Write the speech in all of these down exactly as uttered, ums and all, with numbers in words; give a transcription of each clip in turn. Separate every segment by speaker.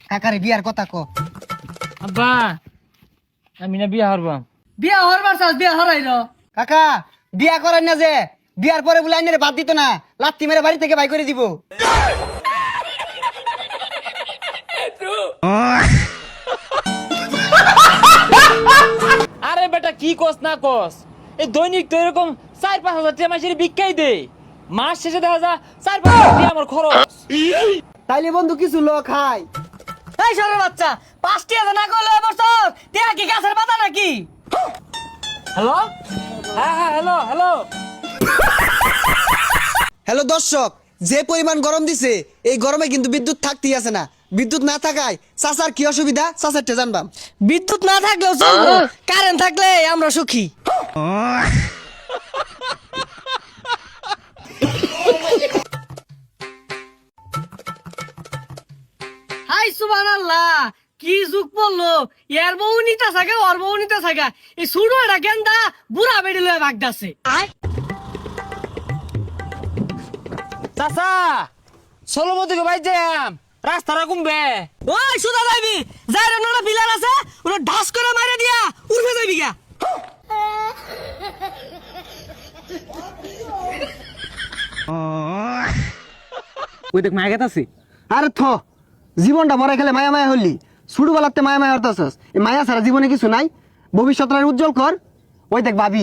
Speaker 1: কাকারে বিয়ার কথা কো।
Speaker 2: আব্বা আমি না বিয়া হরবাম।
Speaker 3: বিয়া হরবার চাস বিয়া হরাইল।
Speaker 1: কাকা বিয়া করেন না যে, বিয়ার পরে বলে আইনের বাদ দিত না, লাত্তি মেরে বাড়ি থেকে বাই করে দিব।
Speaker 2: আরে বেটা কি কস না কস, এই দৈনিক তো এরকম চার পাঁচ হাজার টাকা মাসের ভিক্ষাই দে, মাস শেষে দেখা যা চার পাঁচ হাজার টাকা আমার খরচ।
Speaker 1: তাইলে বন্ধু কিছু লোক খায়।
Speaker 3: এই সরের বাচ্চা পাঁচটি হাজার না করলে বছর টিয়া কি গাছের পাতা নাকি?
Speaker 2: হ্যালো হ্যাঁ হ্যাঁ হ্যালো হ্যালো।
Speaker 1: হ্যালো দর্শক, যে পরিমাণ গরম দিছে এই গরমে কিন্তু বিদ্যুৎ থাকতেই আছে না। বিদ্যুৎ না থাকায় চাচার কি অসুবিধা চাচারটা জানবাম।
Speaker 3: বিদ্যুৎ না থাকলেও চলবো, কারেন্ট থাকলে আমরা সুখী। হাই সুবহানাল্লাহ, কি যুগ পড়লো, এর বউ নিতা থাকে ওর বউ নিতা থাকে, এই ছোট একটা গেন্দা বুড়া বেড়ি লয়ে ভাগদাছে।
Speaker 2: চাচা ষোলো থেকে বাইর যাম, রাস্তাটা কমবে।
Speaker 3: ওই সুদা যাইবি, যাই রে নোনা পিলার আছে ওরা ঢাস করে মারে দিয়া উড়বে যাইবি গা।
Speaker 2: ওই দেখ মায়া গেতাছি।
Speaker 1: আরে থ, জীবনটা মরে খেলে মায়া মায়া হলি, ছোট বেলাতে মায়া মায়া হতাছস। এই মায়া ছাড়া জীবনে কিছু নাই, ভবিষ্যৎটা উজ্জ্বল কর। ওই দেখ ভাবি।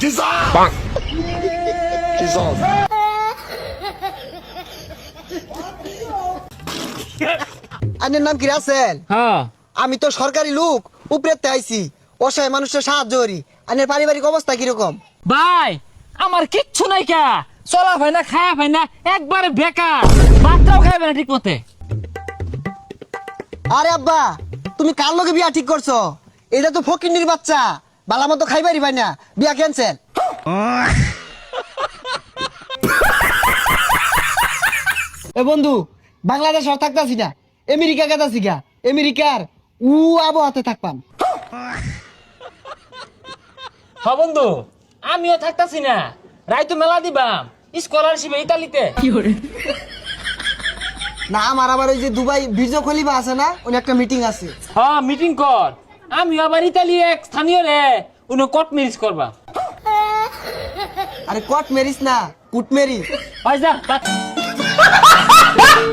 Speaker 1: আপনার নাম কি রাসেল?
Speaker 2: হ্যাঁ
Speaker 1: আমি তো সরকারি লোক, উপরেতে আইছি, অসহায় মানুষের সাহায্য করি। আপনার পারিবারিক অবস্থা কিরকম?
Speaker 2: ভাই আমার কিচ্ছু নাই কা, চলা ভাই না খায়া ভাই না, একবারে বেকার, বাচ্চাও খাইবে না ঠিক মতে।
Speaker 1: আরে আব্বা, তুমি কার লগে বিয়া ঠিক করছো? এটা তো ফকিন্নির বাচ্চা, বালা মতো খাইবারি ভাই না, বিয়া ক্যান্সেল। এ বন্ধু, বাংলাদেশ আর থাকতাছি না, আমেরিকা গেতাছি গা। আমেরিকার উ আবহাওয়াতে থাকপাম।
Speaker 2: হ বন্ধু আমিও থাকতাছি না, রাইতো মেলা দিবাম স্কলারশিপে ইতালিতে।
Speaker 1: না আমার আবার ওই যে দুবাই বীর্য খলিফা আছে না, উনি একটা মিটিং আছে।
Speaker 2: হ্যাঁ মিটিং কর, আমি আবার ইতালি এক স্থানীয় রে উনি কট ম্যারেজ করবা।
Speaker 1: আরে কট মেরিস না, কুট মেরি।
Speaker 2: ভাই যা বাদ।